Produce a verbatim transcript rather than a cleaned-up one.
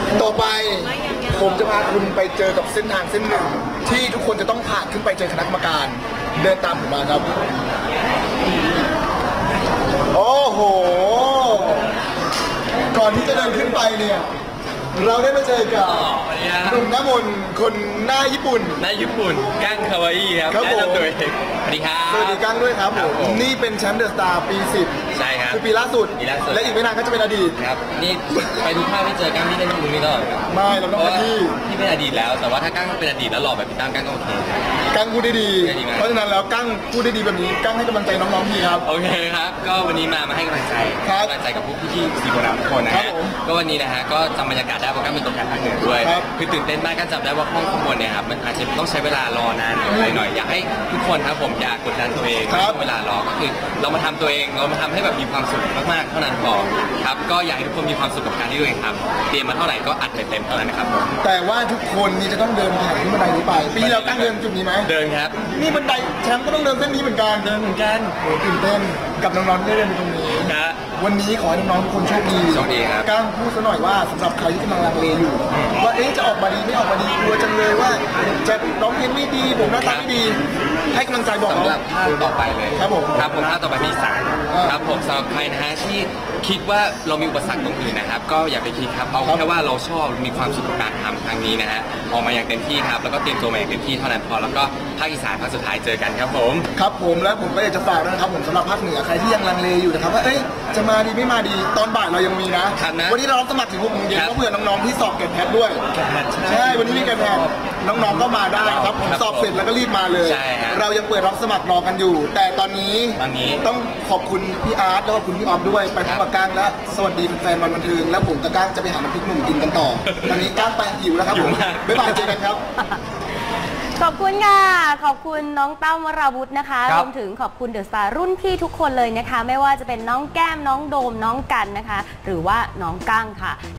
ต่อไปผมจะพาคุณไปเจอกับเส้นทางเส้นหนึ่งที่ทุกคนจะต้องผ่านขึ้นไปเจอคณะกรรมการเดินตามผมมาครับโอ้โหก่อนที่จะเดินขึ้นไปเนี่ยเราได้มาเจอกับหนุ่มหน้ามนต์คนหน้าญี่ปุ่นหน้าญี่ปุ่นกั้งคาวาอิครับครับผมสวัสดีครับสวัสดีกั้งด้วยครับผมนี่เป็นแชมป์เดอะสตาร์ปีสิบใช่ครับคือปีล่าสุดและอีกไม่นานก็จะเป็นอดีตครับนี่ไปดูภาพที่เจอกั้งที่เล่นตรงนี้ก่อนไม่เราต้องไปที่ที่เป็นอดีตแล้วแต่ว่าถ้ากั้งเป็นอดีตแล้วหล่อแบบพี่ตั้มกั้งก็โอเคกั้งพูดได้ดีเพราะฉะนั้นแล้วกั้งพูดได้ดีแบบนี้กั้งให้กำลังใจน้องๆพี่ครับโอเคครับก็วันนี้มามาให้กำลังใจกำลังใจกับพวกพี่ๆสีโบราณทุกคนนะฮะก็วันนี้นะฮะก็จำบรรยากาศได้เพราะกั้งเป็นตัวแทนภาคเหนือด้วยคือตื่นเต้นมากกั้งจำได้ว่าห้องข้างบนเนี่ยครับมันอาจจะต้องใช้เวลารอนานอะไรหน่อยอยากให้ทุกคนครับผมอย่ากดดันตัวเองเวลารอก็คือเรามาทำตัวเองเรามาทำให้แบบมีความสุขมากๆเท่านั้นพอครับก็อยากให้ทุกคนมีความสุขกับการที่ตัวเองทำเตรียมมาเท่าไหร่ก็อัดเต็มๆเท่านั้นนะครับแต่ว่าทุกคนนี่จะต้องเดินผ่านขึ้นบันไดนี้ไปปีเราตั้งเดินจุดนี้ไหมเดินครับนี่บันไดแชมป์ก็ต้องเดินเส้นนี้เหมือนกันเดินเหมือนกันโอ้ตื่นเต้นกับน้องๆที่ได้เดินตรงนี้นะวันนี้ขอให้น้องๆทุกคนโชคดีโชคดีครับก้างพูดซะหน่อยว่าสำหรับใครที่กำลังลังเลอยู่ว่าเอ๊ะจะออกมาดีไม่ออกมาดีกลัวจังเลยว่าจะร้องเพลงไม่ดีผมหน้าตาไม่ดีให้กำลังใจบอกสำหรับภาคต่อไปเลยครับผมครับผมภาคต่อไปที่สามครับผมสำหรับใครนะฮะที่คิดว่าเรามีอุปสรรคตรงอื่นนะครับก็อย่าไปคิดครับเอาแค่ว่าเราชอบมีความสุขกับการทำครั้งนี้นะฮะออกมาอย่างเต็มที่ครับแล้วก็เตรียมตัวมาอย่างเต็มที่เท่านั้นพอแล้วก็ภาคอีสานภาคสุดท้ายเจอกันครับผมครับผมและผมก็อยากจะฝากนะครับผมสำหรับภาคเหนือใครที่ยังลังเลอยู่นะครับว่าเอ้ยจะมาดีไม่มาดีตอนบ่ายเรายังมีนะวันนี้เราสมัครถึงหกโมงเย็นก็เผื่อน้องๆที่สอบเก็บแพทด้วยใช่วันนี้มีเก็บแพทน้องๆก็มาได้ครับผมสอบเสร็จแล้วก็รีบมาเลยเรายังเปิดรับสมัครรอกันอยู่แต่ตอนนี้ต้องขอบคุณพี่อาร์ตแล้วก็คุณพี่ออฟด้วยไปพบกับก้างและสวัสดีแฟนวันบันเทิงแล้วผมกับก้างจะไปหาน้ำพริกหนุ่มกินกันต่อตอนนี้ก้างไปหิวแล้วครับผมบ๊ายบายเจอกันครับขอบคุณค่ะขอบคุณน้องตั้มวราวุธนะคะรวมถึงขอบคุณเดอะสตาร์รุ่นพี่ทุกคนเลยนะคะไม่ว่าจะเป็นน้องแก้มน้องโดมน้องกันนะคะหรือว่าน้องกั้งค่ะ